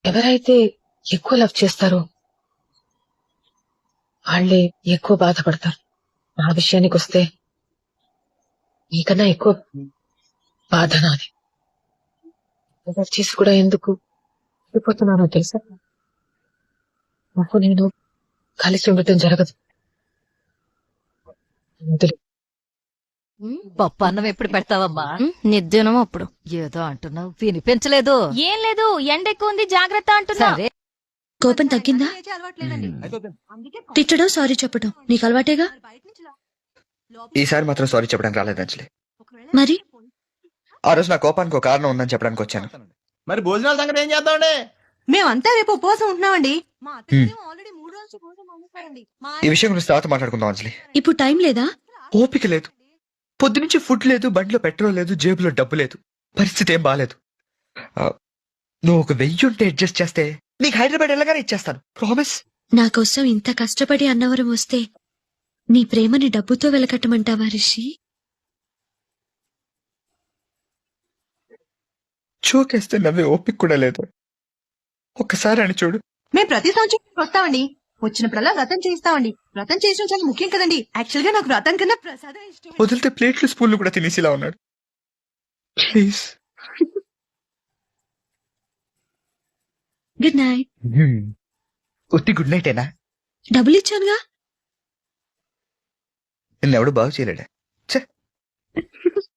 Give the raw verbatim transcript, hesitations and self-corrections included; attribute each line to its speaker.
Speaker 1: ఎవరైతే ఎక్కువ లవ్ చేస్తారో వాళ్ళే ఎక్కువ బాధపడతారు. ఆ విషయానికి వస్తే నీకన్నా ఎక్కువ బాధ నాది. ఎవరు చేసి కూడా ఎందుకు వెళ్ళిపోతున్నానో తెలుసా? నాకు నేను కలిసి ఉండటం జరగదు. వదిలు.
Speaker 2: పప్పు అన్నం ఎప్పుడు పెడతావమ్మా?
Speaker 3: నిర్జనం అప్పుడు.
Speaker 2: ఏదో అంటున్నావు వినిపించలేదు.
Speaker 3: ఏం లేదు, ఎండ ఎక్కువ ఉంది, జాగ్రత్త అంటున్నా.
Speaker 2: సరే.
Speaker 4: కోపం తగ్గిందా? తిట్టడం సారీ చెప్పడం నీకు అలవాటేగా.
Speaker 5: ఈసారి మాత్రం సారీ చెప్పడానికి రాలేదు అంజలి.
Speaker 4: మరి
Speaker 5: ఆ రోజు నా కోపానికి ఒక కారణం ఉందని చెప్పడానికి వచ్చాను.
Speaker 6: మరి భోజనాల సంగతి ఏం చేద్దామండి?
Speaker 7: మేమంతా రేపు ఉపవాసం ఉంటున్నామండి.
Speaker 5: ఈ విషయం గురించి తర్వాత మాట్లాడుకుందాం అంజలి.
Speaker 4: ఇప్పుడు టైం లేదా?
Speaker 5: ఓపిక లేదు. పొద్దునుంచి ఫుడ్ లేదు, బండిలో పెట్రోల్ లేదు, జేబులో డబ్బు లేదు. పరిస్థితి ఏం బాలేదు. ఆ, నువ్వు ఒక వెయ్యి ఉంటే అడ్జస్ట్ చేస్తే నీకు హైదరాబాద్ వెళ్ళగానే ఇచ్చేస్తాను. ప్రామిస్.
Speaker 4: నా కోసం ఇంత కష్టపడి అన్నవరం వస్తే నీ ప్రేమని డబ్బుతో వెలకట్టమంటావా రిషి?
Speaker 5: చోకేస్తే నవ్వే ఓపిక కూడా లేదు. ఒక్కసారి అని చూడు.
Speaker 7: మేము ప్రతి సంవత్సరం వస్తామండి. వచ్చినప్పుడల్లా వ్రతం చేయిస్తామండి. వ్రతం చేసిన చాలా ముఖ్యం కదండి. యాక్చువల్ గా నాకు వ్రతం కన్నా ప్రసాదం ఇష్టం.
Speaker 5: వదిలితే ప్లేట్లు స్పూన్లు కూడా తినేసిలా ఉన్నాడు. ప్లీజ్.
Speaker 4: Good night.
Speaker 5: ఉత్తి గుడ్ నైటేనా?
Speaker 4: డబ్బులు ఇచ్చానుగా.
Speaker 5: నిన్నెవడు బాగు చేయలేడా?